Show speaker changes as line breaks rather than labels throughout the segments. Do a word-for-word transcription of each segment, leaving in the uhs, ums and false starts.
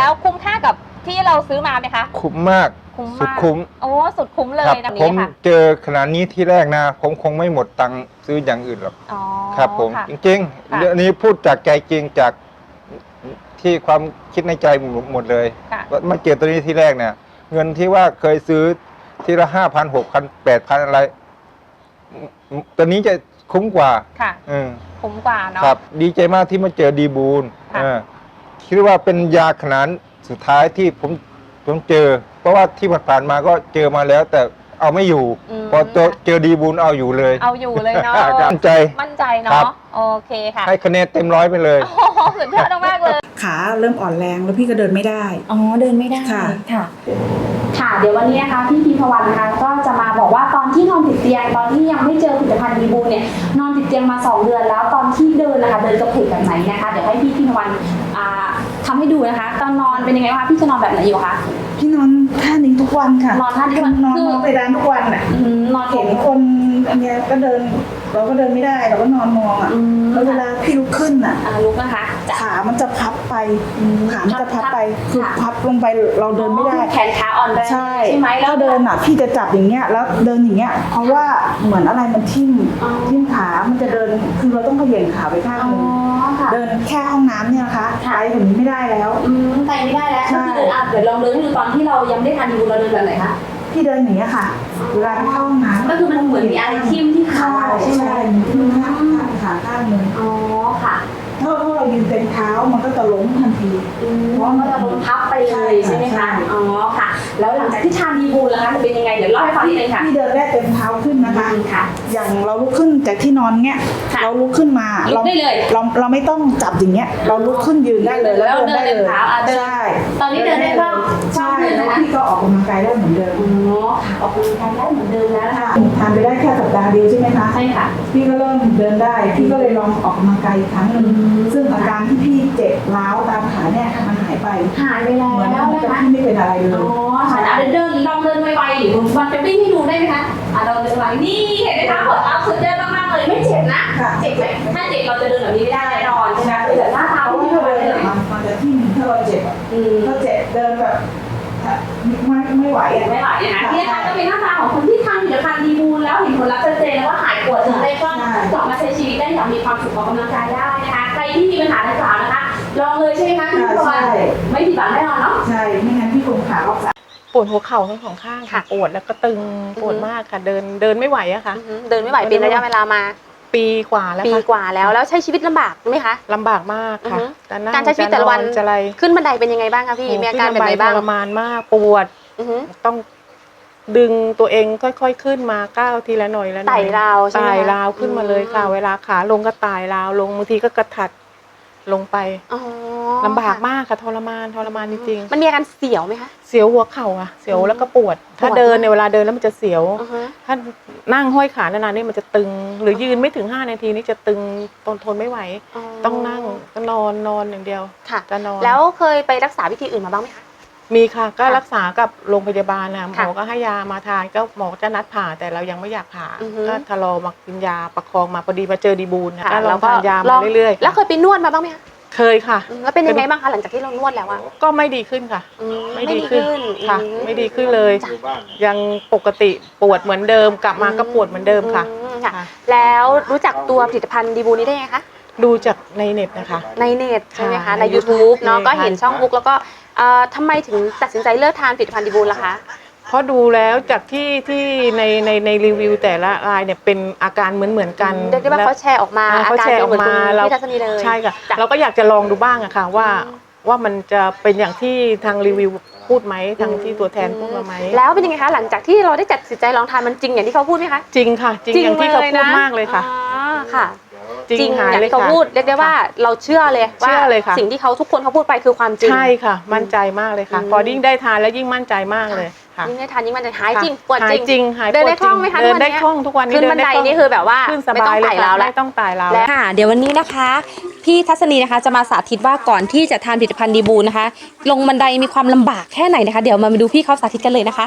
แล้วคุ้มค่ากับที่เราซื้อมาไหมคะ
คุ้มมาก
คุ้ม
สุด
มาก
คุ้ม
โอ้สุดคุ้มเลยนะ
ผม
นี้ค่ะ
เจอขนาดนี้ที่แรกนะผมคงไม่หมดตังค์ซื้ออย่างอื่นหรอก
อ๋อ
ครับผม
ค่ะ
จริง
ค่ะ
ๆเรื่องนี้พูดจากใจจริงจากที่ความคิดในใจหมดเลย
ค่ะ
ว่ามาเจอตัวนี้ที่แรกเนี่ย เงินที่ว่าเคยซื้อทีละห้าพันหกพันแปดพันอะไรตัวนี้จะคุ้มกว่า
ค่ะ
อืม
คุ้มกว่าเนาะ
ครับ ดีใจมากที่มาเจอดีบูล
ค่ะ
เออคิดว่าเป็นยาขนาดสุดท้ายที่ผมผมเจอ เพราะว่าที่ผ่านๆมาก็เจอมาแล้ว แต่เอาไม่อยู่
ม
พอเจอเจอดีบูลเอาอยู่เลย
เอาอยู่เลยเนาะ
มั่นใจ
มั่นใจ
ครั
เนาะ
บ
โอเคค่ะ
ให้คะแนนเต็มร้อยไปเลย
โอ้โหสุดยอดมากเลย
ขาเริ่มอ่อนแรงแล้วพี่ก็เดินไม่ได้
อ๋อเดินไม่ได้
ค่ะ
ค่ะ
ค่ะเดี๋ยววันนี้นะคะพี่พีพวันนะคะก็จะมาบอกว่าตอนที่นอนติดเตียงตอนที่ยังไม่เจอผลิตภัณฑ์ดีบูเนี่ยนอนติดเตียงมาสองเดือนแล้วตอนที่เดินนะคะเดินกระเพกแบบไหนนะคะเดี๋ยวให้พี่พีพวันอ่าทำให้ดูนะคะตอนนอนเป็นยังไงบ้างคะพี่จะนอนแบบไหนอยู่คะ
พี่นอนท่านี้ทุกวันค่ะ
นอนท่านี้ทุกวัน
นอน
คือ
นอนไปร้านทุกวันอ่ะ
อืมนอน
เห็นคนอันเนี้ยก็เดินเราก็เดินไม่ได้เราก็นอนมองอ่ะ
อืม
แล้วเวลาพี่ลุกขึ้นอ่ะ
อ่าลุกนะคะจะ
ขามันจะพับไปขามันจะพับไปคือ
ค่ะ
พับลงไปเราเดินไม่ได้
แขนขาอ่อนแรง
ใช่
ใช่ไหม
แล้วเดินอ่ะพี่จะจับอย่างเงี้ยแล้วเดินอย่างเงี้ยเพราะว่าเหมือนอะไรมันทิ่ม
อ๋อ
ทิ่มขามันจะเดินคือเราต้องเขย่งขาไปข้าง
อ๋
ห
อ
นึ่ง
ค่ะ
เดินแค่ห้องน้ำเนี่ยนะคะ
ค่ะ
ไปถึงนี้ไม่ได้แล้ว
อืมไปไม่ได้แล้ว
ใช่
ก็คือเดินอ่ะเดี๋ยวลองเดินให้ดูตอนที่เรายังไม่ได้ทานดีบูเราเดินแบบไหนคะ
พี่เดินอย่างเงี้ยค่ะเวลาไปเข้าห้องน้ำ
ก็คือมันเหมือนมีอะไรทิ่มที่ขา
ใช่
ใช่ไหม
ใช่ที่มันข้างข้างขาข้างหนึง
อ๋อค่ะ
ถ้าถ้าเรายืนเต็มเท้ามันก็จะล้มทันที
อืมเพราะมันจะโดนพับไปเลยใช่ไหม
ใช่
คะ อ๋อค่ะ แล้วหลังจากที่ทานดีบูลแล้วคะจะเป็นยังไง เดี๋ยวเล่าให้ฟังนิดนึงค่ะ
พี่เดินได้เต็มเท้าขึ้นนะคะ
อืมค่ะ
อย่างเราลุกขึ้นจากที่นอนเงี้ย
ค่ะ
เราลุกขึ้นมา
ลุกได้เลย
เราเราไม่ต้องจับอย่างเงี้ย เราลุกขึ้นยืนได้เลย
แล้วเดิน
ได้
เต็มเท้าอ่ะเดิน
ใช่
ตอนนี้เดินได้บ้าง
ใช่
ขึ้น
แล้
นะ
ว
คะ
พี่ก็ออกกำลังกายได้เหมือนเดิม
อ๋อค่ะออกกำลังกายได้เหมือนเดิมแล้วนะคะ
ทานไปได้แค่สัปดาห์เดียวใช่ไหมคะ
ใช่ค่ะ
พี่ก็เริ่มเดินได้ พี่ก็เลยลองออกกำลังกายอีกครั้งหนึ่ง
อืม
ซึ่งอาการที่พี่เจ็บร้าวตามขาเนี่ยมันหายไป
หายไปแล้ว
เหมือน
นะ
กับ
คะ
พี่ไม่เป็นอะไรเล
อ๋
ย
อค่ะอ่ะเดินลองเดินไวๆหรือวันจะวิ่งให้ดูได้ไหมคะอ่ะเราเดินไวนี่เห็นไหมคะหัวเท้าสุดยอดมากๆเลยไม่เจ็บนะ
ค่ะ
เจ็บไหมถ้าเจ็บเราจะเดินแบบนี้ไม่ได้แน่นอนใช่ไหมแต่หน้า
เพ
เท้า
ราะว่า
ที่
ถ้า
เรา
เดิน
เดิน
อะมันมันจะที่มถ้าเราเจ็บอะ
อืม
ถ้าเจ็บเดินแบบไม่ไม่ไหวอะ
ไม่ไหวนะคะที่นะคะก็เป็นหน้าตาของคนที่ทานผลิตภัณฑ์ดีบูลแล้วเห็นผลลัพธ์ชัดเจนแล้วว่าหายปวดถึงได้ก็กลับมาใช้ชีวิตได้อย่างมีความสุขออกกำลังกายได้นะคะใครที่มีปัญหาดังกล่าวนะคะลองเลยใช่ไหมคะพี่พรไม่ผิดหวังแน่นอนเนาะ
ใช่ไม่งั้นพี่คงขาออก
ปวดหัวเข่าทั้งสองข้างค่ะ
ค่ะ
ปวดแล้วก็ตึงปวด
อือฮึ
มากค่ะ เดินเดินไม่ไหวอะค่ะ
อือหือเดินไม่ไหวเป็นระยะเวลามา
ปีกว่าแล้ว
ปี
ค่ะ
กว่าแล้วแล้วใช้ชีวิตลำบากไหมคะ
ลำบากมากค่ะ
อือฮึ
จะนั่ง
การใช้ชีวิตแต่ละวัน
จะอะไร
ขึ้นบันไดเป็นยังไงบ้างคะพี่
โอ้
มีอาการแบบไหน
ขึ้
บ้าง
ทรมานมากปวด
อือหือ
ต้องดึงตัวเองค่อยๆขึ้นมาก้าวทีละหน่อยละหน่อย
ไต่ราวใช่ไหม
ไต่
คะ
ราวขึ้นมาเลยค่ะ
อืม
เวลาขาลงก็ไต่ราวลงบางทีก็กระถัดลงไป
อ๋อ
ลำบากมากค่ะทรมานทรมานจริงๆ
มันมีอาการเสียวไหมคะ
เสียวหัวเข่าอะเสียวแล้วก็ปวด ถ้า
ปวด
เดิน
มาก
ในเวลาเดินแล้วมันจะเสียว
อือฮึ
ถ้านั่งห้อยขานานๆนี่มันจะตึง หรือยืนไม่ถึงห้านาทีนี่จะตึงทนทนไม่ไหว ต้องนั่งก็นอนนอนอย่างเดียว
ค่ะ
จะนอน
แล้วเคยไปรักษาวิธีอื่นมาบ้างไหมคะ
มีค่ะก็
ค่ะ
รักษากับโรงพยาบาลนะหม
ค่ะ
อก็ให้ยามาทานก็หมอจะนัดผ่าแต่เรายังไม่อยากผ่า
อือฮึ
ก็ทะลอมากินยาประคองมาพอดีมาเจอดีบูลนะ
ค่ะ
ก็ลองทานยา
ล
มา
อง
เรื่อยๆ
แล้วเคยไปนวดมาบ้างไหมคะ
เคยค่ะ
อืมแล้วเป็นยังไงบ้างคะหลังจากที่เรานวดแล้วอะ
ก็ไม่ดีขึ้นค่ะ
อืม
ไม่ดีขึ้นค่ะ
อืม
ไม่ดีขึ้นเลย
จ้ะ
ยังปกติปวดเหมือนเดิมกลับมาก็ปวดเหมือนเดิมค่ะ
อืมค่ะ
ค่ะ
แล้วรู้จักตัวผลิตภัณฑ์ดีบูนี้ได้ไงคะ
ดูจากในเน็ตนะคะ
ในเน็ตใช่ไหมคะ
ค่ะ
ใน
ใน
YouTube เนาะ
ใช่
ก็เห็น
ค่ะ
ช่องบุ๊กแล้วก็เอ่อทำไมถึงตัดสินใจเลิกทานผลิตภัณฑ์ดีบูลล่ะคะ
เพราะดูแล้วจากที่ที่ในในในรีวิวแต่ละรายเนี่ยเป็นอาการเหมือนเหมือนกัน
เรียกได้ว่า
แล้ว
เขาแชร์ออกมา
อ่า
อา
เขา
การ
แชร์
เป็นเหมือน
ออก
คุณ
มาเรา
พี่ทัศนีเลย
ใช่ค่ะ
จ้ะ
เราก็อยากจะลองดูบ้างอะค่ะว่า
อืม
ว่ามันจะเป็นอย่างที่ทางรีวิวพูดไหมทางที่ตัวแทนพูดมาไหม
แล้วเป็นยังไงคะหลังจากที่เราได้ตัดสินใจลองทานมันจริงอย่างที่เขาพูดไหมคะ
จริงค่ะ จริงอย่างที่เขาพูดมากเลยค่ะ
อ๋อค่ะ
จริงหาย
อย่าง
เลย
ที่เขา
ค่ะ
พูดเรียกได้ว่าเราเชื่อเลยว่า
เชื่อเลยค่ะ
สิ่งที่เขาทุกคนเขาพูดไปคือความจริง
ใช่ค่ะ มั่นใจมากเลยค่ะ
อืม
พอยิ่งได้ทานแล้วยิ่งมั่นใจมากเลยค่ะ
ยิ่งได้ทานยิ่งมันจะหายจริง
ค่ะ
ปวด
หา
จ
ย
ริง
จริงหาย
เดิน
ปว
ได้คล่องไหมคะ
เดินได้
ทุกวันเนี้ย
คล่องทุกวันนี้
ขึ้น
เดิ
บันได
ล่ง
นี่คือแบบว่า
ขึ้นส
ไม่
บา
ต้อง
ยเลย
ไต่ราว
ค่ะ
แล้ว
ไม่ต้องไต่ราว
และ
แล้ว
ค่ะเดี๋ยววันนี้นะคะพี่ทัศนีนะคะจะมาสาธิตว่าก่อนที่จะทานผลิตภัณฑ์ดีบูนะคะ ลงบันไดมีความลำบากแค่ไหนนะคะ เดี๋ยวมาดูพี่เขาสาธิตกันเลยนะคะ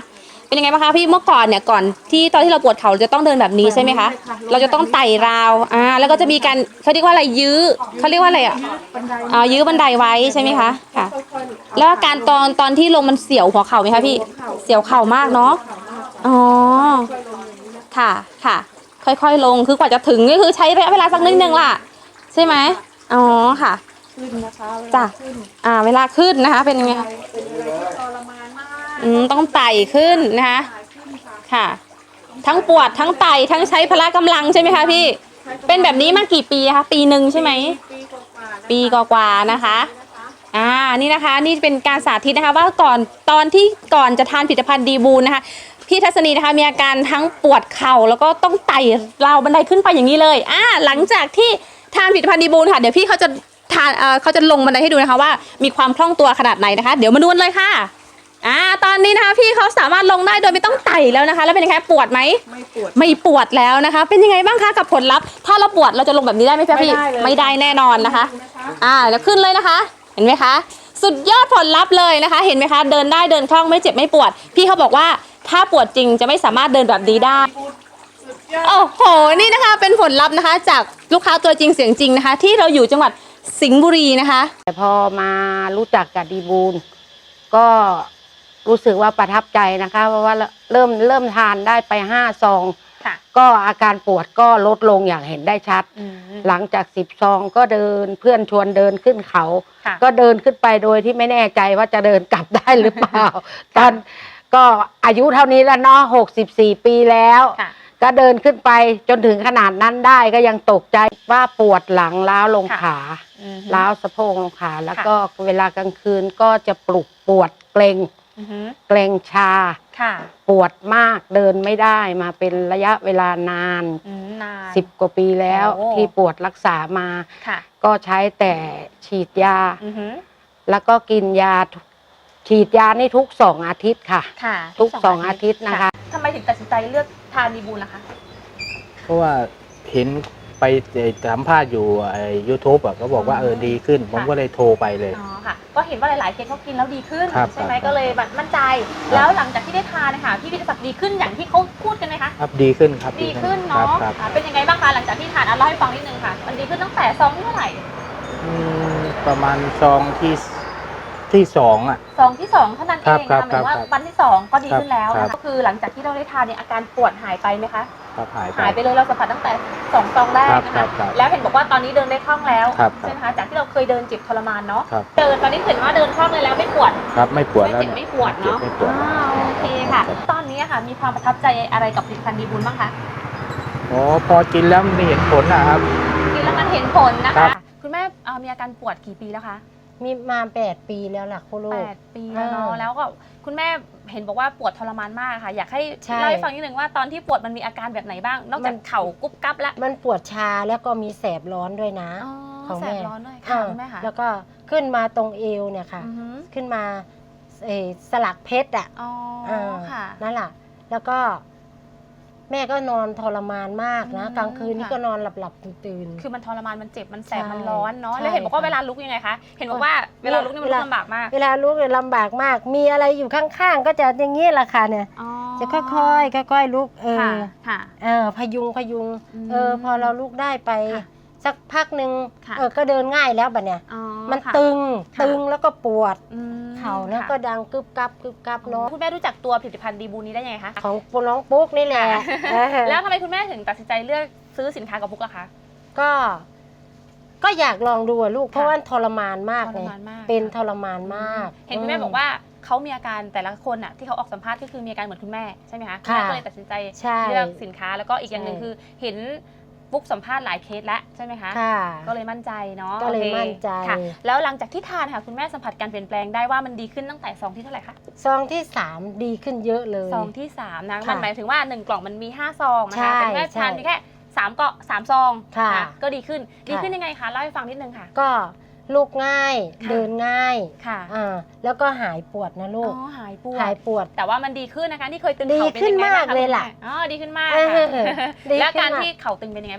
เป็นยังไงบ้างคะพี่เมื่อก่อนเนี่ยก่อนที่ตอนที่เราปวดเข่าเราจะต้องเดินแบบนี้ใช่ไหมคะเราจะต้องไต่ราวอ่าแล้วก็จะมีการเขาเรียกว่าอะไรยื้อเขาเรียกว่าอะไรอ่ะอ่ายื้อบันไดไว้ใช่ไหมคะค่ะ แล้วอาการตอนตอนที่ลงมันเสียวหัวเข่าไหมคะพี่เสียวเข่ามากเนาะอ๋อค่ะค่ะ ค่อยๆลงคือกว่าจะถึงก็คือใช้ระยะเวลาสักนิดนึงล่ะใช่ไหมอ๋อค่ะ
ขึ้นนะคะ
จ้ะอ่าเวลาขึ้นนะคะเป็นยังไงคะ
เป็นอะไรที่ทรมานมาก
อืมต้องไต่ขึ้นนะคะค่ะ ทั้งปวดทั้งไต่ทั้งใช้พละกำลังใช่ไหมคะพี่เป็นแบบนี้มากี่ปีคะปีหนึ่งใช่ไหม
ปีกว่าๆนะคะ
ปีกว่าๆนะคะอ่านี่นะคะนี่เป็นการสาธิตนะคะว่าก่อนตอนที่ก่อนจะทานผลิตภัณฑ์ดีบูนนะคะพี่ทัศนีนะคะมีอาการทั้งปวดเข่าแล้วก็ต้องไต่ราวบันไดขึ้นไปอย่างนี้เลยอ่าหลังจากที่ทานผลิตภัณฑ์ดีบูนค่ะเดี๋ยวพี่เขาจะทานเอ่อเขาจะลงบันไดให้ดูนะคะว่ามีความคล่องตัวขนาดไหนนะคะ เดี๋ยวมาดูกันเลยค่ะอ่าตอนนี้นะคะพี่เขาสามารถลงได้โดยไม่ต้องไต่แล้วนะคะ แล้วเป็นยังไงปวดไหม
ไม่ปวด
ไม่ปวดแล้วนะคะ เป็นยังไงบ้างคะกับผลลัพธ์ถ้าเราปวดเราจะลงแบบนี้ได้ไหมพี่
ไม่ได้เลย
ไม่ได้แน่นอนนะคะ อ่าแล้วขึ้นเลยนะคะ เห็นไหมคะ สุดยอดผลลัพธ์เลยนะคะ เห็นไหมคะ เดินได้เดินคล่องไม่เจ็บไม่ปวด พี่เขาบอกว่าถ้าปวดจริงจะไม่สามารถเดินแบบนี้ได้โอ้โหนี่นะคะเป็นผลลัพธ์นะคะ จากลูกค้าตัวจริงเสียงจริงนะคะ ที่เราอยู่จังหวัดสิงห์บุรีนะคะ
แต่พอมารู้จักกับดีบูลก็รู้สึกว่าประทับใจนะคะ เพราะว่าเริ่มเริ่มทานได้ไปห้าซอง
ค่ะ
ก็อาการปวดก็ลดลงอย่างเห็นได้ชัด หลังจากสิบซองก็เดินเพื่อนชวนเดินขึ้นเขา
ค่ะ
ก็เดินขึ้นไปโดยที่ไม่แน่ใจว่าจะเดินกลับได้หรือเปล่า ตอนก็อายุเท่านี้แล้วเนาะหกสิบสี่ปีแล้ว
ค่ะ
ก็เดินขึ้นไปจนถึงขนาดนั้นได้ก็ยังตกใจว่าปวดหลังล้าวลง
ค่ะ
ขา
อืม
ล้าวสะโพกลงขาแล้ว
ค่ะ
ก็เวลากลางคืนก็จะปลุกปวดเกรง
อือฮึ
เกรงชา
ค่ะ
ปวดมากเดินไม่ได้มาเป็นระยะเวลานาน
อืมนาน
สิบกว่าปีแล้ว
โอ้
ที่ปวดรักษามา
ค่ะ
ก็ใช้แต่ฉีดยา
อือฮึ
แล้วก็กินยาทุกฉีดยานี่ทุกสองอาทิตย์ค่ะ
ค่ะ
ทุกสองอาทิตย์นะคะ
ทำไมถึงตัดสินใจเลือกทานดีบูลนะคะ
เพราะว่าเห็นไปสัมภาษณ์อยู่ไอ้ยูทูบอ่ะก็บอกว่าเออดีขึ้น ผมก็เลยโทรไปเลย
อ๋อค่ะ ก็เห็นว่าหลายๆเคสเขากินแล้วดีขึ้น
ครับ
ใช่ไหม
ครับ
ก็เลยแบบมั่นใจ แล้วหลังจากที่ได้ทานนะคะพี่วิทยาศักดิ์ดีขึ้นอย่างที่เขาพูดกันไหมคะ
ครับดีขึ้นครับ
ดีขึ้น
ครับ
เนาะ
ครับ
อ่าเป็นยังไงบ้างคะหลังจากที่ทานอ่ะเล่าให้ฟังนิดนึงค่ะ มันดีขึ้นตั้งแต่ซองที่เท่าไหร่
อืมประมาณซองที่ที่สองอ่ะ
ซองที่สองเท่านั้นเอ
ครับ
ง
ครั
นะ
บ
หมายถึงว่า
ครับ
วันที่สองก็ดีขึ้นแล้ว
ครับ
นะก็คือหลังจากที่เราได้ทานเนี่ยอาการปวดหายไปไหมคะ
ครับหายไป
หายไปเลยเราสัมผัสตั้งแต่สองซองแรกนะ
ครั
คะ
บครับ
แล้วเห็นบอกว่าตอนนี้เดินได้คล่องแล้ว
ครับ
ใช่ไหมคะจากที่เราเคยเดินเจ็บทรมานเนาะ
ครับ
เดินตอนนี้เห็นว่าเดินคล่องเลยแล้วไม่ปวด
ครับไม่ปวด
ไม่
แล้ว
เจ็บ
เนี่ย
ไม่ปวด
เจ็บ
เนาะ
ไม่ปวด
อ่าโอเคค่ะ ตอนนี้ค่ะมีความประทับใจอะไรกับผลิตภัณฑ์ดีบุญบ้างคะ
อ๋อพอกินแล้วมันเห็นผลนะครับ
กินแล้วมันเห็นผลนะ
ครั
คะ
บ
คุณแม่เอ่อมีอาการปวดกี่ปีแล้วคะ
มีมาแปดปีแล้วล่ะคุณลู
แป
ก
ดปีแล้วเนาะ
อ่า
แล้วก็คุณแม่เห็นบอกว่าปวดทรมานมากค่ะ อยากให้
ใช่
เล่าให้ฟังนิดนึงว่าตอนที่ปวดมันมีอาการแบบไหนบ้าง นอกจาก
มัน
เข่ากุ๊บกั๊บแล้ว
มันปวดชาแล้วก็มีแสบร้อนด้วยนะ
อ๋อ
ของ
แส
แม่
บร้อนด้วยค่ะ
อ่า
คุณแม่ค่ะ
แล้วก็ขึ้นมาตรงเอวเนี่ยค่ะ
อือฮึ
ขึ้นมาเอ่อสลักเพชรอ่ะ
อ๋อ
อ่า
ค่ะ
นั่นแหละแล้วก็ แม่ก็นอนทรมานมากนะ
อืม
กลางคืนนี่
ค่ะ
ก็นอนหลับหลับๆตื่นตื่นๆ
คือมันทรมานมันเจ็บมันแสบ
ใช่
มันร้อนเนาะ
ใช่
แล้วเห็นบอกว่า
ค่ะ
เวลาลุกยังไงคะเห็นบอกว่าเวลาลุกนี่มัน
เว
ลุ
ลา
กลำบากมาก
เวลาลุกเนี่ยลำบากมาก มีอะไรอยู่ข้างๆ ก็จะอย่างนี้แหละค่ะเนี่ย
อ๋อ
จะค่อยๆค่อยๆลุกเอ
ค่ะ
อ
ค่ะ
เออพยุงพยุง
อืม
เออ พอเราลุกได้ไป
ค่ะ
สักพักหนึ่ง
ค่ะ
เออก็เดินง่ายแล้วบัดเนี่ย
อ๋อ
มัน
ค่ะ
ตึง
ค่ะ
ตึงแล้วก็ปวด
อืม
เข่าแล้ว
ค่ะ
ก็ดังกึบกับกึบกับเนาะ
คุณแม่รู้จักตัวผลิตภัณฑ์ดีบูนี้ได้ยังไงคะ
ของน้องปุ๊กนี่แหละเออ
แล้วทำไมคุณแม่ถึงตัดสินใจเลือกซื้อสินค้ากับพุกล่ะคะ
ก็ ก็อยากลองดูอะลูก เพราะว่าทรมานมาก
ท
เล
ร
ย
มานมาก
เป็นทรมานมาก
เห็นคุณแม่บอกว่าเขามีอาการแต่ละคนอ่ะที่เขาออกสัมภาษณ์ก็คือมีอาการเหมือนคุณแม่ใช่ไหมคะณ
ค่ะ
แม่ก็เลยตัดสินใจ
ใช่
เลือกสินค้าแล้วก็อีกอย่างหนึ่ง
ใช่
คือเห็นปุ๊กสัมภาษณ์หลายเคสแล้วใช่ไหมคะ
ค่ะ
ก็เลยมั่นใจเนาะ
ก็เลย
โอค
มั่นใจ
ค่ะ แล้วหลังจากที่ทานค่ะคุณแม่สัมผัสการเปลี่ยนแปลงได้ว่ามันดีขึ้นตั้งแต่ซองที่เท่าไหร่คะ
ซองที่สามดีขึ้นเยอะเลย
ซองที่สามนะ
ค่ะ
มันหมายถึงว่าหนึ่งกล่องมันมีห้าซองนะ
ใช่
คะแต่คุณแม่
ใช่
ทานเพียงแค่สามเกาะสามซอง
ค่ะ
นก็ดีขึ้นดี
ค่ะ
ขึ้นยังไงคะเล่าให้ฟังนิดนึงค่ะ
ก็ลุกง่าย
ค่ะ
เดินง่าย
ค่ะ
อ่าแล้วก็หายปวดนะลู
อ๋
ก
อหายปวด
หายปวด
แต่ว่ามันดีขึ้นนะคะที่เคยตึง
ดี
เข่าเป็น
ขึ้น
ยังไงบ้าง
มาก
คะ
เลยล่ะ
คุณแม่อ๋อดีขึ้นมาก
เออ
ค่ะ
ดี
แล้ว
ขึ้น
การ
มาก
ที่เข่าตึงเป็นยังไงบ้างคะ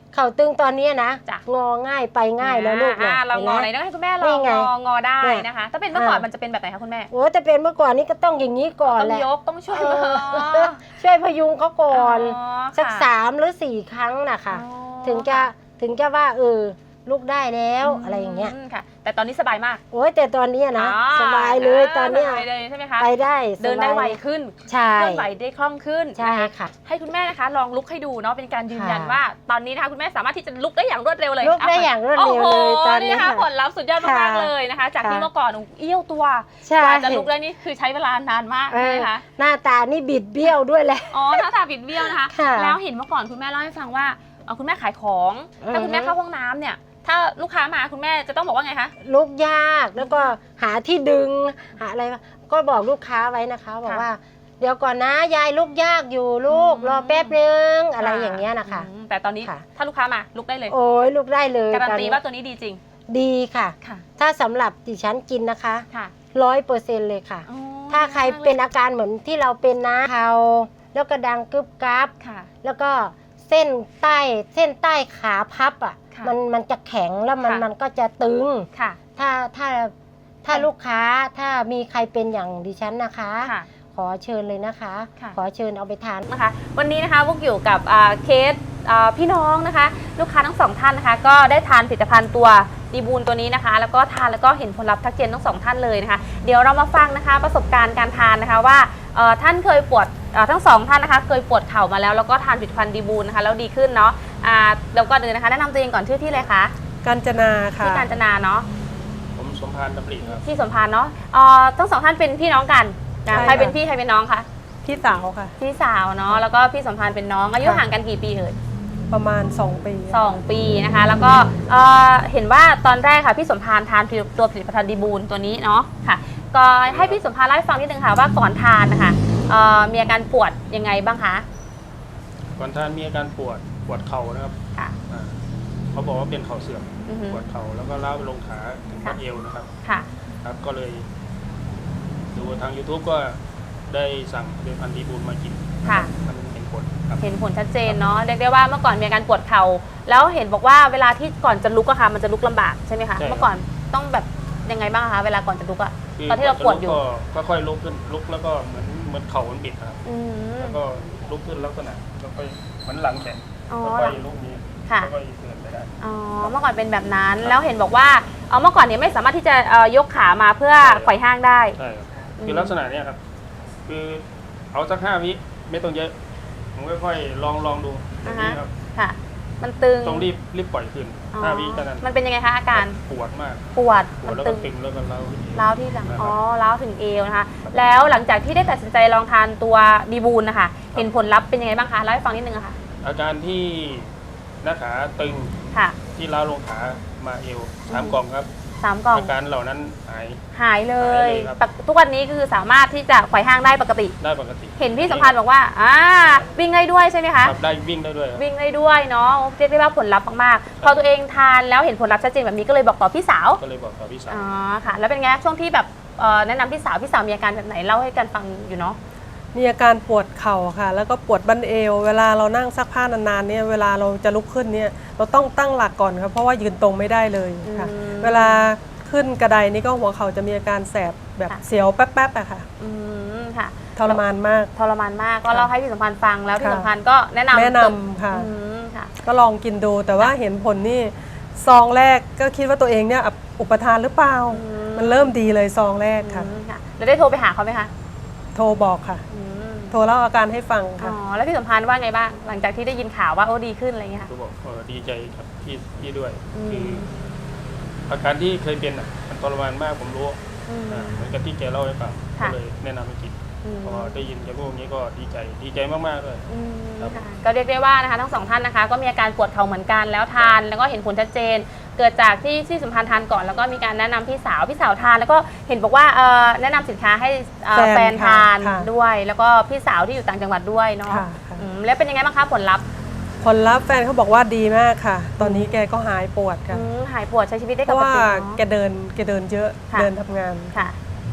เข่าตึงตอนนี้นะ
จ้ะ
งอง่ายไปง่ายแล้วลูก
อ่า
นะ
เรางอไหน
ห็น
ต้อง
ไหม
ให้คุณแม่ล
นี่
อง
ไง
งองอได้
เนี่ย
นะคะ ถ้าเป็นเมื่อก่อน
อ่ามั
มันจะเป็นแบบไหนคะคุณแม่
โอ้แต่เป็นเมื่อก่อนนี้ก็ต้องอย่างนี้ก่อน
ต้อง
แหละ
ยกต้องช่วย
เอ
มือ
อช่วยพยุงเขาก่อน
อ๋อ
สัก
ค่ะ
สามหรือสี่ครั้งนะคะ
อ๋อ
ถึงจะถึงจะว่าเออลูกได้แล้วอะไรอย่างเงี้ย
มค่ะ แต่ตอนนี้สบายมาก
โอ้ยแต่ตอนเนี้ยนะ
อ๋อ
สบายเลยตอนเนี้ย
สบายเลยใช่ไหมคะ
ไปได้สบาย
เดินได้ไวขึ้น
ใช่
เคลื่อนไหวได้คล่องขึ้น
ใช่
นะคะ
ค่ะ
ให้คุณแม่นะคะลองลุกให้ดูเนาะเป็นการยืนยัน
ค่ะ
ว่า ตอนนี้นะคะคุณแม่สามารถที่จะลุกได้อย่างรวดเร็วเลย
ลุกได้อย่างรวดเร็วเลยตอนนี้
โโหนะคะ
ค่ะ
ผลลัพธ์สุดยอดมาก
ค่ะ
ๆเลยนะคะ จากที่
ค่ะ
เมื่อก่อนเอี้ยวตัว
ใช่
กว่าจะลุกได้นี่คือใช้เวลานานมาก
เอ
ใช่
อ
ไหมคะ
หน้าตานี่บิดเบี้ยวด้วยแหละ
อ๋อหน้าตาบิดเบี้ยวนะคะ
ค่ะ
แล้วเห็นเมื่อก่อนคุณแม่เล่าให้ฟังว่าเอ่อคุณแม่ขายของ ถ้าคุณแม่
อือฮึ
เข้าห้องน้ำเนี่ย ถ้าลูกค้ามาคุณแม่จะต้องบอกว่าไงคะ
ลุกยากแล้วก็หาที่ดึงหาอะไรก็บอกลูกค้าไว้นะคะบอก
ค่ะ
ว่า เดี๋ยวก่อนนะยายลุกยากอยู่ลูก
อืม
รอแป๊บนึงอะไรอย่างเงี้ยนะคะ
อืมแต่ตอนนี้
ค่ะ
ถ้าลูกค้ามาลุกได้เลย
โอ้ยลุกได้เลย
การัน
ตอ
ตีว่าตัวนี้ดีจริง
ดีค่ะ
ค่ะ
ถ้าสำหรับดิฉันกินนะคะ
ค่ะ
ร้อยเปอร์เซ็นต์เลยค่ะ
อ๋อ
ถ้าใครเป็นอาการเหมือนที่เราเป็นนะเขาแล้วก็ดังกึบกับ
ค่ะ
แล้วก็เส้นใต้เส้นใต้ขาพับอ่ะ
ค่ะ
มันมันจะแข็งแล้วมัน
ค่ะ
มันก็จะตึง
ค่ะ
ถ้าถ้าถ้าลูกค้าถ้ามีใครเป็นอย่างดิฉันนะคะ
ค่ะ
ขอเชิญเลยนะคะ
ค่ะ
ขอเชิญเอาไปทาน
นะคะวันนี้นะคะพวกอยู่กับอ่าเคสอ่าพี่น้องนะคะ ลูกค้าทั้งสองท่านนะคะ ก็ได้ทานผลิตภัณฑ์ตัวดีบูลตัวนี้นะคะ แล้วก็ทานแล้วก็เห็นผลลัพธ์ทักเจนทั้งสองท่านเลยนะคะ เดี๋ยวเรามาฟังนะคะประสบการณ์การทานนะคะว่าเอ่อท่านเคยปวดเอ่อทั้งสองท่านนะคะ เคยปวดเข่ามาแล้วแล้วก็ทานผลิตภัณฑ์ดีบูลนะคะแล้วดีขึ้นเนาะอ่าเดี๋ยวก่อนอื่นนะคะแนะนำตัวเองก่อนชื่อที่เลยคะ
กาญจนาค่ะ
ที่การจนาเนาะ
ผมสมพานดำริครับ
ที่สมพานเนาะเอ่อทั้งสองท่านเป็นพี่น้องกันนะ
ใช่
ใครเป็น
ค่ะ
พี่ใครเป็นน้องคะ
พี่สาวค่ะ
พี่สาวเนาะแล้วก็พี่สมพานเป็นน้องอายุ
ค่ะ
ห่างกันกี่ปีเอ่ย
ประมาณสองปี
สองปีนะคะ แล้วก็เอ่อเห็นว่าตอนแรกค่ะพี่สมพานทานตัวผลิตภัณฑ์ดีบูลตัวนี้เนาะค่ะ ก็ให้พี่สมพานเล่าให้ฟังนิดนึงค่ะว่าก่อนทานนะคะเอ่อมีอาการปวดยังไงบ้างคะ
ก่อนท่านมีอาการปวดปวดเข่านะครับ
ค่ะ
อ่าเขาบอกว่าเป็นเข่าเสื่อม
อือฮึ
ปวดเข่าแล้วก็ล้าวไปลงขาถึง
ค่ะ
บัดเอวนะครับ
ค่ะ
ครับ ก็เลย ดูทาง YouTube ก็ได้สั่งผลิตภัณฑ์ดีบูลมากิน
ค่ะ
มันเห็นผลครับ
เห็นผลชัดเจนเนาะเรียกได้ว่าเมื่อก่อนมีอาการปวดเข่าแล้วเห็นบอกว่าเวลาที่ก่อนจะลุกอะค่ะมันจะลุกลำบากใช่ไหมคะ
ใช่ครับ
เมื่อก่อนต้องแบบยังไงบ้างคะเวลาก่อนจะลุกอะ
คื
ตอนที่เราปวดอยู่
ก็ก็ค่อยลุกขึ้นลุกแล้วก็เหมือนเหมือนเข่ามันบิดนะครับ
อืม
แล้วก็ลุกขึ้นลักษณะแล้วก็เหมือนหลังแข็ง
อ๋อ
แล้วก็ลุกนี้
ค่ะ
แล้วก็เดินไปได้
อ๋อเมื่อก่อนเป็นแบบนั้นแล้วเห็นบอกว่าเอ่อเมื่อก่อนเนี่ยไม่สามารถที่จะเอ่อยกขามาเพื่อ
ใช่ครับ
ไขว่ห้างได้
ใช่ครับ
อืม
คือลักษณะเนี้ยครับ คือเอาสักห้าวิไม่ต้องเยอะ ผมค่อยๆลองลองดูอย่างนี้ครับ
ค่ะ มันตึง
ต้องรีบรีบปล่อยคืน
อ๋อ
ห้าวิแค่นั้น
มันเป็นยังไงคะอาการ
ปวดมาก
ปวด
ปว
มั
ด
น
แล้ว
ตึ
ก็
ง
ตึงแล้วก็เล้าที่
ร้าวที่หลัง
นะครับ
อ๋อร้าวถึงเอวนะคะ แล้วหลังจากที่ได้ตัดสินใจลองทานตัวดีบูลนะคะ เห็นผลลัพธ์เป็นยังไงบ้างคะเล่าให้ฟังนิดนึงอะค่ะ
อาการที่หน้าขาตึง
ค่ะ
ที่เล้าลงขามาเอวสามกล่องครับ
สามกล่อง
อาการเหล่านั้นหาย
หายเล
หาย ยเลยครับ
ปกทุกวันนี้คือสามารถที่จะไขว่ห้างได้ปกติ
ได้ปกติ
เห็นพี่สัมพันธ์บอกว่าอ่าวิ่งได้ด้วยใช่ไหมคะ
ครับได้วิ่งได้ด้วยครับ
วิ่งได้ด้วยเนาะเรียกได้ว่าผลลัพธ์มากๆ พอตัวเองทานแล้วเห็นผลลัพธ์ชัดเจนแบบนี้ก็เลยบอกต่อพี่สาว
ก็เลยบอกกับพี่สาว
อ๋อค่ะ แล้วเป็นไงช่วงที่แบบเอ่อแนะนำพี่สาวพี่สาวมีอาการแบบไหนเล่าให้กันฟังอยู่เนาะ
มีอาการปวดเข่าค่ะ แล้วก็ปวดบั้นเอว เวลาเรานั่งซักผ้านานๆเนี่ยเวลาเราจะลุกขึ้นเนี่ยเราต้องตั้งหลักก่อนครับเพราะว่ายืนตรงไม่ได้เลยค่ะ
อืม
เวลาขึ้นกระไดนี่ก็หัวเข่าจะมีอาการแสบแบบ
ค่ะ
เสียวแป๊บๆอะค่ะ
อืมค่ะ
ทรมานมาก
ทรมานมากก็เล่าให้พี่สัมพันธ์ฟังแล้วพี่
ค่ะ
สัมพันธ์ก็แนะนำ
แนะนำค่ะ
อืมค่ะ
ก็ลองกินดูแต่ว่าเห็นผลนี่ซองแรกก็คิดว่าตัวเองเนี่ยอุปทานหรือเปล่า
อืม
มันเริ่มดีเลยซองแรกค่ะ
อืมค่ะแล้วได้โทรไปหาเขาไหมคะ
โทรบอกค่ะ
อืม
โทรเล่าอาการให้ฟัง
อ๋
ค่ะ
อแล้วพี่สัมพันธ์ว่าไงบ้างหลังจากที่ได้ยินข่าวว่าโอ้ดีขึ้นอะไรอย่างเงี้ยค่ะ
ก็บอกเออดีใจครับพี่พี่ด้วย
อืม
คืออาการที่เคยเป็นอ่ะมันทรมานมากผมรู้
อืม
อ่าเหมือนกับที่แกเล่าให้ฟังก็
ค่ะ
เลยแนะนำให้กิน
อืม
พอได้ยินแกพูดอย่างนี้ก็ดีใจดีใจมากๆเลย
อืม
ครับ
ค่ะก็เรียกได้ว่านะคะทั้งสองท่านนะคะ ก็มีอาการปวดเข่าเหมือนกันแล้วทานแล้วก็เห็นผลชัดเจน เกิดจากที่ที่สัมพันธ์ทานก่อนแล้วก็มีการแนะนำพี่สาวพี่สาวทาน แล้วก็เห็นบอกว่าเอ่อแนะนำสินค้าให้เอ่อ
แฟ
แฟ
น
น
ค่ะ
ทาน
ค่ะ
ด้วย แล้วก็พี่สาวที่อยู่ต่างจังหวัดด้วยเนาะ
ค่ะค่ะ
อืมแล้วเป็นยังไงบ้างคะผลลัพธ์
ผลลัพธ์แฟนเขาบอกว่าดีมากค่ะ ตอนนี้แกก็หายปวดค่ะ
อืมหายปวดใช้ชีวิตได้
เพ
ป
ราะ
ก
ว่า
ติ
แก
เนาะ
เดินแกเดินเยอะ
ค่ะ
เดินทำงาน
ค่ะ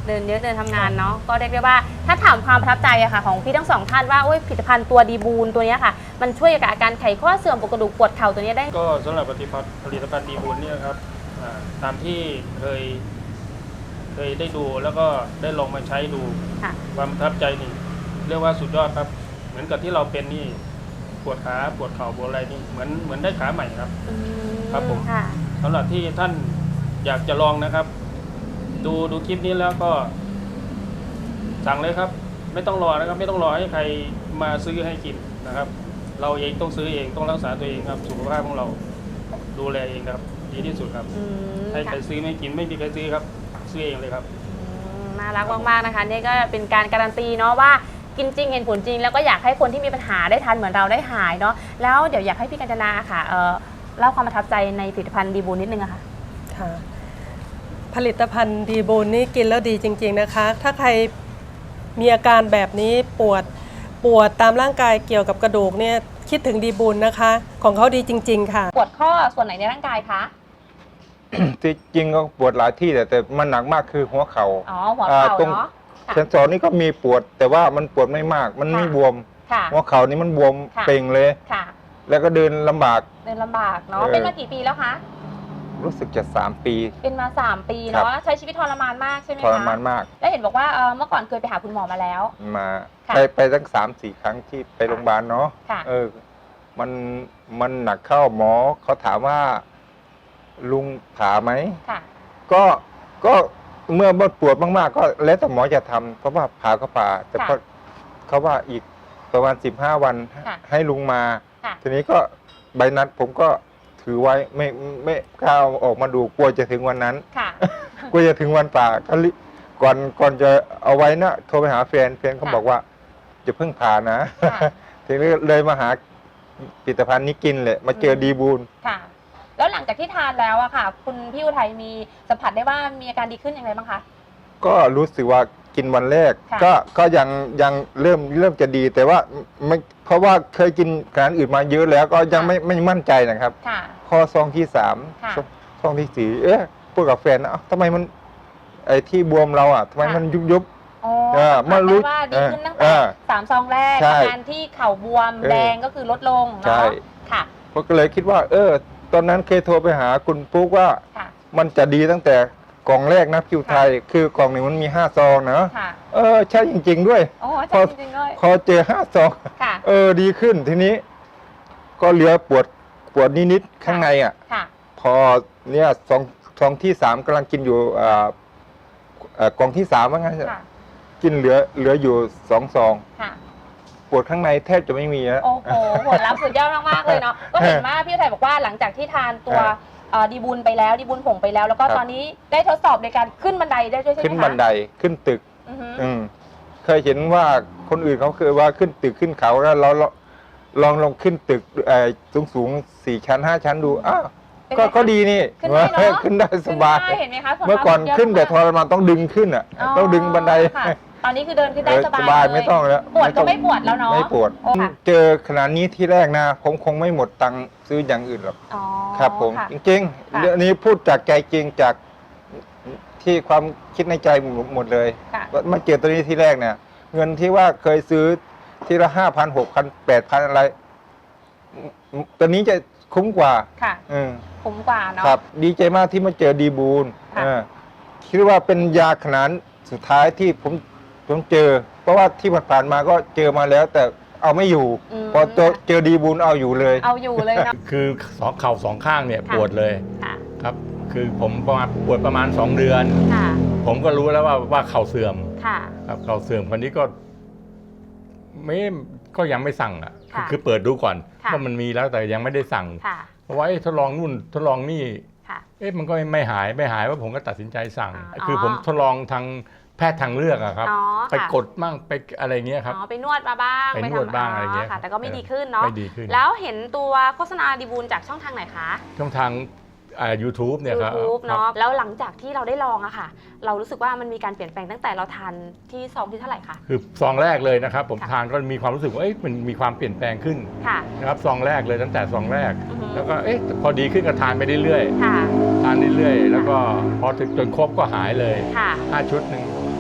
เดินเยอะเดินทำงานเนาะก็เรียกได้ว่าถ้าถามความประทับใจอะค่ะของพี่ทั้งสองท่านว่าโอ้ยผลิตภัณฑ์ตัวดีบูนตัวเนี้ยค่ะมันช่วยกับอาการไขข้อเสื่อมปวดกระดูกปวดเข่าตัวเนี้ยได้
ก็สำหรับผลิตภัณฑ์ผลิตภัณฑ์ดีบุญเนี่ยครับอ่าตามที่เคย เคยได้ดูแล้วก็ได้ลองมาใช้ดู
ค่ะ
ความประทับใจนี่เรียกว่าสุดยอดครับ เหมือนกับที่เราเป็นนี่ปวดขาปวดเข่าปวดอะไรนี่เหมือนเหมือนได้ขาใหม่ครับ
อื
ครับผม
ค่ะ
สำหรับที่ท่านอยากจะลองนะครับ ดูดูคลิปนี้แล้วก็สั่งเลยครับ ไม่ต้องรอนะครับ ไม่ต้องรอให้ใครมาซื้อให้กินนะครับ เราเองต้องซื้อเองต้องรักษาตัวเองครับสุขภาพของเราดูแลเองครับ ดีที่สุดครับ
อืม
ให้ใคร
ค่ะ
ซื้อไม่กินไม่มีใครซื้อครับ ซื้อเองเลยครับ
อืมน่ารักมากๆนะคะนี่ก็เป็นการการันตีเนาะว่ากินจริงเห็นผลจริง แล้วก็อยากให้คนที่มีปัญหาได้ทานเหมือนเราได้หายเนาะแล้วเดี๋ยวอยากให้พี่กัญจนาค่ะเอ่อเล่าความประทับใจในผลิตภัณฑ์ดีบูนนิดนึงอะค่ะ
ค่ะผลิตภัณฑ์ดีบูนนี่กินแล้วดีจริงๆนะคะ ถ้าใครมีอาการแบบนี้ปวดปวดตามร่างกายเกี่ยวกับกระดูกเนี่ยคิดถึงดีบูนนะคะ ของเขาดีจริงๆค่ะ
ปวดข้อส่วนไหนในร่างกายคะ
ที่จริงก็ปวดหลายที่แต่แต่มันหนักมากคือหัวเขา
อ๋
่า
อหัวเข่า
ตรง
เนาะค่ะ
เซนสอนนี่ก็มีปวด แต่ว่ามันปวดไม่มาก มันไม่
ค่ะ
บวม
ค่ะ
หัวเข่านี่มันบวม
ค่ะ
เป่งเลย
ค่ะ
แล้วก็เดินลำบาก
เดินลำบากเนาะ
เออ
เป็นมากี่ปีแล้วคะ
รู้สึกจะสามปี
เป็นมาสามปี
ครั
เนาะ
บ
ใช้ชีวิตทรมานมากใช่ไหม
ท
คะ
รมานมาก
แล้วเห็นบอกว่าเอ่อเมื่อก่อนเคยไปหาคุณหมอมาแล้ว
มา
ค่ะ
ไปไปตั้งสามสี่ครั้งที่ไปโรงพยาบาลเนาะ
ค่ะ
เออ มันมันหนักเข้าหมอเขาถามว่าลุงผ่าไหม
ค่ะ
ก็ก็เมื่อปวดมากๆ ก็แล้วแต่หมอจะทำเพราะว่าผ่าก็ผ่า แต่
ค่ะ
ก็เขาว่าอีกประมาณสิบห้าวัน
ค่ะ
ให้ลุงมา
ค่ะ
ทีนี้ก็ใบนัดผมก็ถือไว้ไม่ไม่กล้าเอาออกมาดูกลัวจะถึงวันนั้น
ค่ะ
กลัวจะถึงวันป่าก็รีก่อนก่อนจะเอาไว้นะโทรไปหาแฟนแฟนเขา
ค่ะ
บอกว่าจะเพิ่งผ่านะ
ค่ะ
ทีนี้เลยมาหาผลิตภัณฑ์นี้กินเลยมาเจอดีบูล
ค่ะ แล้วหลังจากที่ทานแล้วอะค่ะ คุณพี่อุทัยมีสัมผัสได้ว่ามีอาการดีขึ้นอย่างไรบ้างคะ
ก็รู้สึกว่ากินวันแรก
ค่ะ
ก็ก็ยังยังเริ่มเริ่มจะดีแต่ว่าไม่เพราะว่าเคยกินอาหารอื่นมาเยอะแล้วก็ยังไม่ไม่มั่นใจนะครับ
ค่ะ
ข้อซองที่สาม
ค่ะ
ซองที่สี่เอ๊ะพูดกับแฟนนะเอ้าทำไมมันไอ้ที่บวมเราอ่ะทำไม
ค่ะ
มันยุบยุบ
อ๋อ
เออ
สัม
เมื่
ผัส
อรู้
ได้ว่าดีขึ้นตั้ง
เอ
แต่
อ
สามซองแรก
ใช่
อาการที่เข่าบวม
เออ
แดงก็คือลดลง
ใช่
เนาะค่ะ
ผมก็เลยคิดว่า เออ ตอนนั้นเคยโทรไปหาคุณปุ๊กว่า
ค่ะ
มันจะดีตั้งแต่กล่องแรกนะคิวไทย คือกล่องหนึ่งมันมีห้าซองนะ
ค่ะ
เออใช่จริง ๆ ด้วย
โอ้
พ
ใช่
อ
จริงๆเลย
พอเจอห้าซอง
ค่ะ
เออดีขึ้นทีนี้ ก็เหลือปวดปวดนิดๆข้างในอ่ะ
ค่ะ
พอเนี่ยซองซองที่สามกำลังกินอยู่อ่าเอ่อกล่องที่สามว่างั้น
ค่ะ
กินเหลือเหลืออยู่สองซอง
ค่ะ
ปวดข้างในแทบจะไม่มีแล้ว
โอ้โหผลลัพธ์สุดยอดมากๆเลยเนาะ ก็เห็นว่าพี่อุทัยบอกว่าหลังจากที่ทานตัว
ครับ
เอ่อดีบุญไปแล้วดีบุญผงไปแล้ว แล้วก็
ครับ
ตอนนี้ได้ทดสอบในการขึ้นบันไดได้ด้วยใช่ไหมคะ
ขึ้นบันไดขึ้นตึก
อือฮึ
อืมเคยเห็นว่าคนอื่นเขาเคยว่าขึ้นตึกขึ้นเขาแล้วเราเราลองลองขึ้นตึกสูงสูงๆสี่ชั้นห้าชั้นดูอ้าว
เป็นไง
ก็
คะ
ก็ดีนี่
ขึ้นได้เนอะ
ขึ้นได้สบาย
ขึ้นได้เห็นไหมคะส่ว
เมื่อก่อน
มาก
ขึ้นแต่ท
เยอะ
รมานต้องดึงขึ้นอ่ะ ต้องดึงบันได
ค่ะตอนนี้คือเดินขึ้นได้
เออ
ส
ส
บาย
บาย
เลย
ไม่ต้องแล้ว
ปวดก็
ต้อง
ไม่ปวดแล้วเนาะ
ไม่ปวด
โอ้ค่ะ
เจอขนาดนี้ที่แรกนะผมคงไม่หมดตังค์ซื้ออย่างอื่นหรอก
อ๋อ
ครับผม
ค่ะ
จริง
ค่ะ
ๆเรื่องนี้พูดจากใจจริงจากที่ความคิดในใจหมดเลย
ค่ะ
ว่ามาเจอตัวนี้ที่แรกเนี่ย เงินที่ว่าเคยซื้อทีละห้าพันหกพันแปดพันอะไรอืมตัวนี้จะคุ้มกว่า
ค่ะ
อืม
คุ้มกว่าเนาะ
ครับ ดีใจมากที่มาเจอดีบูล
ค่ะ
เออคิดว่าเป็นยาขนาดสุดท้ายที่ผมผมเจอ เพราะว่าที่ผ่านๆมาก็เจอมาแล้ว แต่เอาไม่อยู่
ม
พอเจอเจอดีบูลเอาอยู่เลย
เอาอยู่เลยเนาะ
คือสองเข่าสองข้างเนี่ย
ค่ะ
ปวดเลย
ค่ะ
ครับ คือผมประมาณปวดประมาณสองเดือน
ค่ะ
ผมก็รู้แล้วว่าว่าเข่าเสื่อม
ค่ะ
ครับเข่าเสื่อมคนนี้ก็ไม่ก็ยังไม่สั่งอ่ะ
ค่ะ
คือเปิดดูก่อน
ค่ะ
ว่ามันมีแล้วแต่ยังไม่ได้สั่ง
ค่ะ
เพราะว่าเอ๊ะทดลองนู่นทดลองนี่
ค่ะ
เอ๊ะมันก็ไม่หายไม่หายว่าผมก็ตัดสินใจสั่ง
อ๋อ
คือผมทดลองทางแพทย์ทางเลือกอะครับ
อ๋อ
ไป
ค่ะ
กดมั่งไปอะไรเงี้ยครับ
อ๋อไปนวดมาบ้าง
ไปนวด
ทำ
บ้างอะไรเงี้ย
ค่ะ แต่ก็ไม่
เออ
ดีขึ้นเนาะ
ไม่ดีขึ้น
แล้วเห็นตัวโฆษณาดีบูลจากช่องทางไหนคะ
ช่องทางอ่า YouTube เนี่ยครับ
YouTube
ครับ
เนาะแล้วหลังจากที่เราได้ลองอะค่ะ เรารู้สึกว่ามันมีการเปลี่ยนแปลงตั้งแต่เราทานที่ซองที่เท่าไหร่คะ
คือซองแรกเลยนะครับ ผม
ค่ะ
ทานก็มีความรู้สึกว่าเอ๊ะมันมีความเปลี่ยนแปลงขึ้น
ค่ะ
นะครับซองแรกเลยตั้งแต่ซองแรก
อือฮึ
แล้วก็เอ๊ะพอดีขึ้นก็ทานไปเรื่อย
ค่ะ
ๆทานเรื่อยๆแล้วก็พอถึงจนครบก็หายเลย
ค่ะ
ห้าชุดหนึ่ง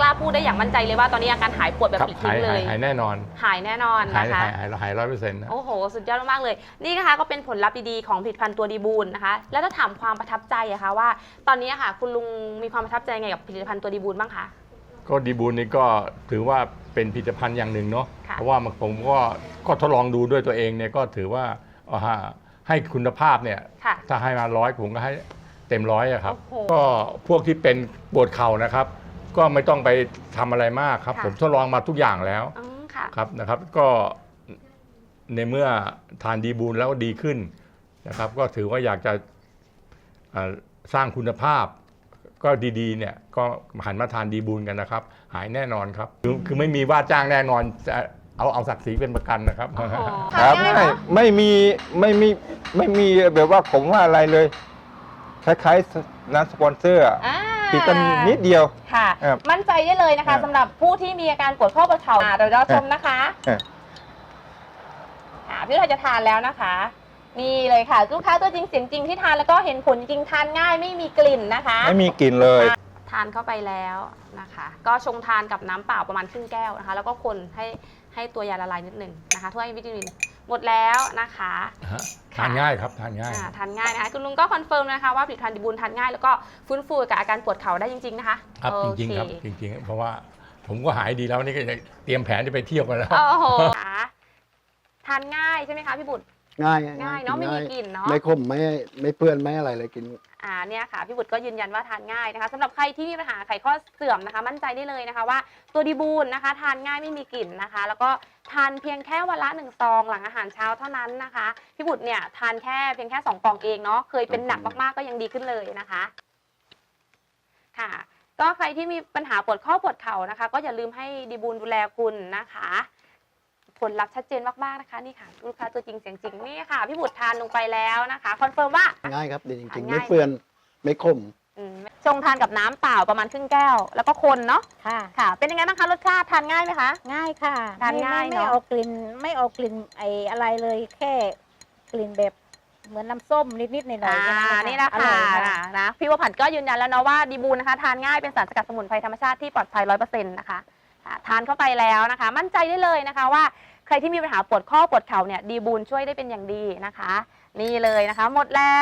กล้าพูดได้อย่างมั่นใจเลยว่าตอนนี้อาการหายปวดแบบ
ครับ
ปลิด
หา
ทิ้
ย
งเล
หาย
ย
หายแน่นอน
หายแน่นอน
หาย
นะคะ
หายหายหายร้อยเปอร์เซ็นต์นะ
โอ้โห สุดยอดมากๆเลย นี่นะคะก็เป็นผลลัพธ์ดีๆของผลิตภัณฑ์ตัวดีบูลนะคะ แล้วถ้าถามความประทับใจอะคะว่า ตอนนี้อะค่ะ คุณลุงมีความประทับใจไงกับผลิตภัณฑ์ตัวดีบูลบ้างคะ
ก็ดีบูลนี่ก็ถือว่าเป็นผลิตภัณฑ์อย่างหนึ่งเนาะ
ค่ะ
เพราะว่าผมก็ก็ทดลองดูด้วยตัวเองเนี่ยก็ถือว่าเอาฮะให้คุณภาพเนี่ย
ค่ะ
ถ้าให้มาร้อยผมก็ให้เต็มร้อยอะครับ
โอ้โห
ก็พวกที่เป็นปวดเข่านะครับ ก็ไม่ต้องไปทำอะไรมากครับ
ค่ะ
ผมทดลองมาทุกอย่างแล้ว
อืมค่ะ
ครับนะครับ ก็ในเมื่อทานดีบูลแล้วดีขึ้นนะครับ ก็ถือว่าอยากจะเอ่อสร้างคุณภาพ ก็ดีๆเนี่ยก็หันมาทานดีบูลกันนะครับ หายแน่นอนครับ คือคือไม่มีว่าจ้างแน่นอนจะเอาเอาศักดิ์ศรีเป็นประกันนะครับ
โอ้โห
ครับ
ทานง่าย
ไม่
เนอะ
ไม่มีไม่มีไม่มีแบบว่าผมว่าอะไรเลย คล้ายๆน้ำสปอนเซอร์อะ
อ่า
ปิดกันนิดเดียว
ค่ะ
ครับ
มั่นใจได้เลยนะ
ครั
คะ
บ
สำหรับผู้ที่มีอาการปวดข้อปวดเข่าอ่าเดี๋ยวเราชมนะคะ
เออ
อ่าพี่เราจะทานแล้วนะคะ นี่เลยค่ะลูกค้าตัวจริงเสียงจริงที่ทานแล้วก็เห็นผลจริงทานง่ายไม่มีกลิ่นนะคะ
ไม่มีกลิ่นเลย
ทานเข้าไปแล้วนะคะ ก็ชงทานกับน้ำเปล่าประมาณครึ่งแก้วนะคะ แล้วก็คนให้ให้ตัวยาละลายนิดหนึ่งนะคะถ้วยวิตามินหมดแล้วนะคะ
ฮะทานง่ายครับทานง่าย
อ่าทานง่ายนะคะคุณลุงก็คอนเฟิร์มนะคะว่าผลิตภัณฑ์ดีบูลทานง่ายแล้วก็ฟื้นฟูกับอาการปวดเข่าได้จริงๆนะคะ
ครับ
โอ
จริง
เค
ๆครับจริงๆ เพราะว่าผมก็หายดีแล้วนี่ก็จะเตรียมแผนจะไปเที่ยวกันแล้ว
โอ้โหค่ะทานง่ายใช่ไหมคะพี่บุตร
ง่าย
ง่ายเนาะไม่มีกลิ่นเนาะ
ไม่ขมไม่ไม่เปื้อนไม่อะไรเลยกิน
อ่าเนี่ยค่ะพี่บุตรก็ยืนยันว่าทานง่ายนะคะสำหรับใครที่มีปัญหาไขข้อเสื่อมนะคะ มั่นใจได้เลยนะคะว่าตัวดีบูลนะคะ ทานง่ายไม่มีกลิ่นนะคะ แล้วก็ทานเพียงแค่วันละหนึ่งซองหลังอาหารเช้าเท่านั้นนะคะพี่บุตรเนี่ยทานแค่เพียงแค่สองกล่องเองเนาะเคยเป็นหนักมากๆก็ยังดีขึ้นเลยนะคะค่ะ ก็ใครที่มีปัญหาปวดข้อปวดเข่านะคะ ก็อย่าลืมให้ดีบูลดูแลคุณนะคะ ผลลัพธ์ชัดเจนมากๆนะคะนี่ค่ะลูกค้าตัวจริงเสียงจริงนี่ค่ะพี่บุตรทานลงไปแล้วนะคะคอนเฟิร์มว่า
ง่ายครับดีจริงๆ
ง่าย
ไม่เปื้อนไม่ขม
อืมชงทานกับน้ำเปล่าประมาณครึ่งแก้ว แล้วก็คนเนาะ
ค่ะ
ค่ะ เป็นยังไงบ้างคะรสชาติทานง่ายไหมคะ
ง่ายค่ะ
ทานง่าย
ไม่
เนอะ
ไม่เอากลิ่นไม่เอากลิ่นไออะไรเลยแค่กลิ่นแบบเหมือนน้ำส้มนิดๆหน่อยๆ
อ่า
แค่
นี่นะ
อ
คะ
ร่อยค่ะ
นะพี่วผันก็ยืนยันแล้วเนาะว่าดีบูลนะคะทานง่ายเป็นสารสกัดสมุนไพรธรรมชาติที่ปลอดภัยร้อยเปอร์เซ็นต์นะคะอ่าทานเข้าไปแล้วนะคะ มั่นใจได้เลยนะคะว่าใครที่มีปัญหาปวดข้อปวดเข่าเนี่ยดีบูลช่วยได้เป็นอย่างดีนะคะ นี่เลยนะคะ หมดแล้ว